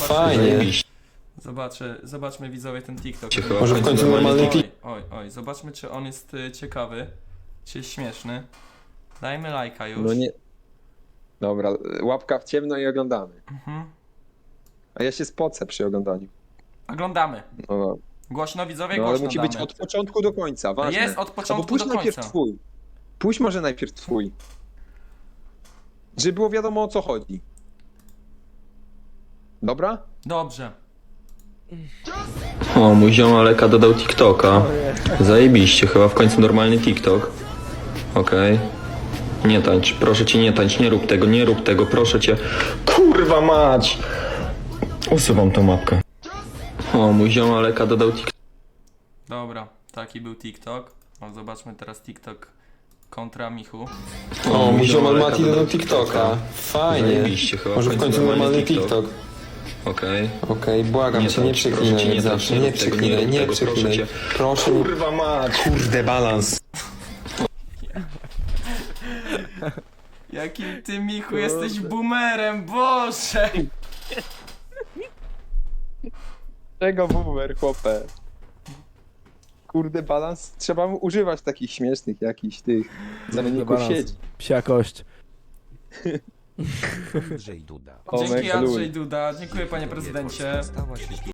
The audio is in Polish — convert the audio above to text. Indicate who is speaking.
Speaker 1: Fajnie.
Speaker 2: Zobaczmy widzowie ten TikTok.
Speaker 1: Może w końcu normalny TikTok.
Speaker 2: Oj, zobaczmy czy on jest ciekawy, czy jest śmieszny. Dajmy lajka już.
Speaker 3: No nie. Dobra, łapka w ciemno i oglądamy.
Speaker 2: Mhm.
Speaker 3: A ja się spocę przy oglądaniu.
Speaker 2: Oglądamy.
Speaker 3: No,
Speaker 2: Głośno widzowie,
Speaker 3: no ale
Speaker 2: głośno
Speaker 3: musi
Speaker 2: damy.
Speaker 3: być od początku do końca, ważne.
Speaker 2: Jest od początku
Speaker 3: Albo puść
Speaker 2: do
Speaker 3: najpierw
Speaker 2: końca.
Speaker 3: twój. Puść może najpierw twój. Żeby było wiadomo o co chodzi. Dobra?
Speaker 2: Dobrze.
Speaker 1: O, mój ziom Aleka dodał TikToka. Zajebiście, chyba w końcu normalny TikTok. Okej. Nie tańcz, proszę cię nie tańcz, nie rób tego, proszę cię. Kurwa mać! Usuwam tą mapkę. O, mój ziom Aleka dodał TikToka.
Speaker 2: Dobra, taki był TikTok. O, zobaczmy teraz TikTok kontra Michu.
Speaker 1: O, mój ziom Mati dodał TikToka. Fajnie.
Speaker 4: Zajebiście, chyba
Speaker 1: Może w końcu normalny TikTok.
Speaker 4: Okej.
Speaker 1: Okej, błagam cię, nie przeklinaj jak zawsze, nie przeklinaj, nie przeklinaj. Proszę nie...
Speaker 4: Kurwa mać!
Speaker 1: Kurde, balans.
Speaker 2: Jakim ty, Michu, jesteś boomerem, Boże!
Speaker 3: Czego boomer, chłopie? Kurde, balans. Trzeba używać takich śmiesznych jakichś tych zamienników
Speaker 5: balans.
Speaker 3: sieci.
Speaker 5: Psia kość.
Speaker 6: Andrzej Duda.
Speaker 3: Omek,
Speaker 2: Dzięki
Speaker 3: luj.
Speaker 2: Andrzej Duda, dziękuję panie prezydencie.
Speaker 6: Stała się